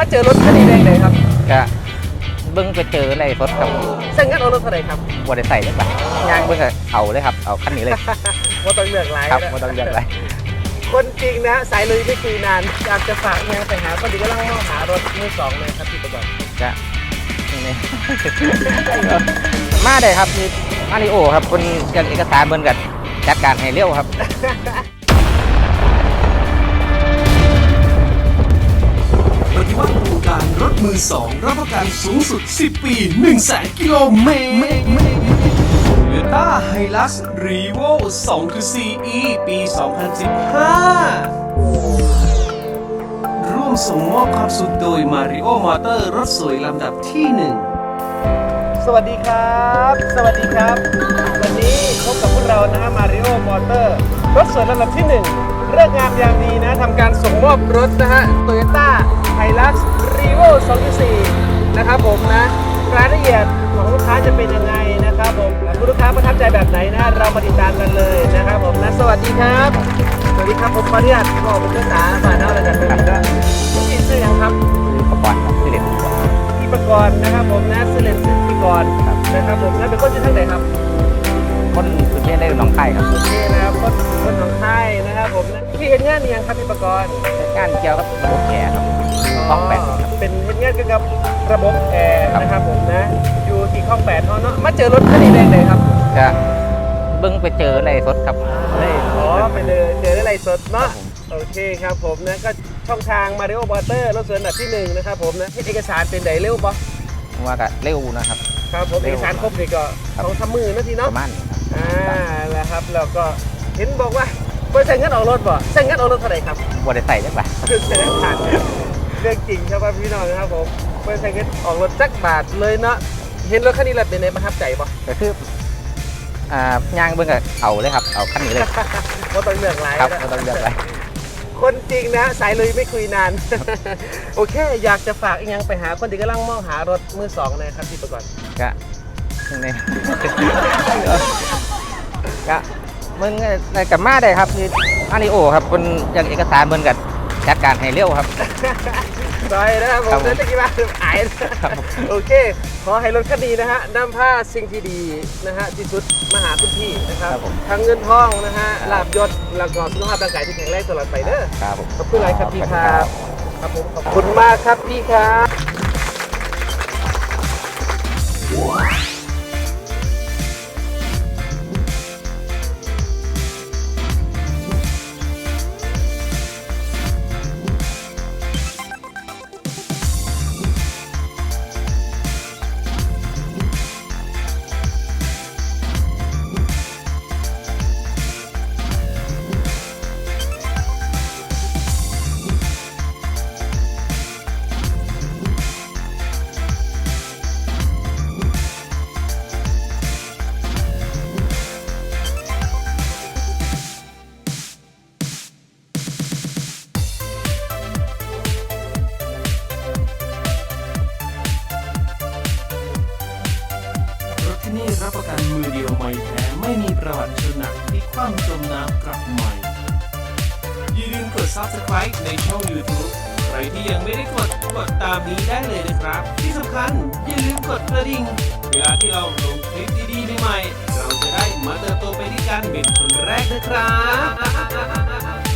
มาเจอรถคันนี้ได้เลยครับก็เบิ้งไปเจออะไรสดครับเส้นกันเอารถเท่าไหร่ครับบ่ได้ใส่จังแบบย่างเบิ้งก็เอาเลยครับเอาคันนี้เลยว่าต้องเลือกหลายครับบ่ต้องเลือกหลายคนจริงนะสายลุยไม่คุยนานอยากจะฝากงานไปหาคนดีก็ต้องมองหารถมือสองเลยครับพี่ประกอบก็นี่มาได้ครับนี่มาริโอครับคนเอกสารเบิ้งกับจัดการให้เร็วครับปฏิวัติวงการรถมือสองรับประกันสูงสุด 10 ปี 100,000 กิโลเมตร Toyota Hilux Revo 2.4e ปี 2015 ร่วมส่งมอบความสุขโดย Mario Motor รถสวยลำดับที่ 1 สวัสดีครับสวัสดีครับวันนี้พบกับพวกเรานะฮะ Mario Motor รถสวยลำดับที่1เรื่องงามยามดีนะทำการส่งมอบรถนะฮะ Toyota Hilux Revo 2.4 นะครับผมนะรายละเอียดของลูกค้าจะเป็นยังไงนะครับผมคุณลูกค้าประทับใจแบบไหนนะเรามาติดตามกันเลยนะครับผมนะสวัสดีครับสวัสดีครับผมขออนุญาตบอกเป็นภาษาบ้านเราแล้วกันนะครับพี่ชื่อยังครับประกอบครับที่เด็ดพี่ประกรณ์นะครับผมนะชื่อเล่นชื่อพี่กรณ์นะครับผมนะเป็นคนที่ท่านไหนครับคนสุดเท่ได้หนองไข่ครับโอเคนะครับคนของไทยนะครับผมนะพี่เห็นงานยังครับพี่ประกรณ์งานเกี่ยวกับระบบแอร์ครับห้องแปดเป็นเห็นงานเกี่ยวกับระบบแอร์นะครับผมนะอยู่ที่ข้อง8เนาะมาเจอรถคันนี้ได้เลยครับก็เบิ้งไปเจออะไรสดครับไปเลยเจออะไรสดเนาะโอเคครับผมนะก็ช่องทาง Mario Motor รถสวนอันดับที่1นะครับผมนะเอกสารเป็นไดเร็วปะว่าก็เร็วนะครับครับผมเอกสารครบเลยก็2-3 มือนะทีเนาะประมาณนะครับแล้วก็เห็นบอกว่าบริษัทเงินออกรถบ่เส้นเงินออกรถเท่าไหร่ครับบ่ได้ใส่จังแบบคือเส้นผ่านเรื่องจริงครับพี่น้องนะครับผมบริษัทเงินออกรถจักบาทเลยเนาะเห็นรถคันนี้แล้วเป็นไงประทับใจป่ะก็คือย่างเบิ้งก็เอาเลยครับเอาคันนี้เลยว่าต้องเลือกหลายครับว่าต้องเลือกหลายคนจริงนะสายลุยไม่คุยนานโอเคอยากจะฝากอีกอย่างไปหาคนที่กำลังมองหารถมือสองนะครับพี่ประกอบก็นี่ก็มึงกับมาได้ครับนี่มาริโอครับคนอย่างเอกสารเบิ้งกับจัดการให้เร็วครับซอยนะครับผมนั่นจะกี่บาทอายโอเคขอให้รถคันนี้นะฮะนำผ้าสิ่งที่ดีนะฮะที่สุดมาหาคุณพี่นะครับทั้งเงินทองนะฮะลาบยศแล้วก็สุขภาพร่างกายที่แข็งแรงตลอดไปเด้อขอบคุณหลายครับพี่ครับครับผมขอบคุณมากครับพี่ครับนี่รับประกันมือเดียวไม่แท้ไม่มีประวัติชนหนักที่คว่ำจมน้ำกลับใหม่อย่าลืมกด Subscribe ในช่อง YouTube ใครที่ยังไม่ได้กดตามนี้ได้เลยนะครับที่สำคัญอย่าลืมกดกระดิ่งเวลาที่เราลงคลิปดีๆใหม่ๆเราจะได้มาเติบโตไปด้วยกันเป็นคนแรกนะครับ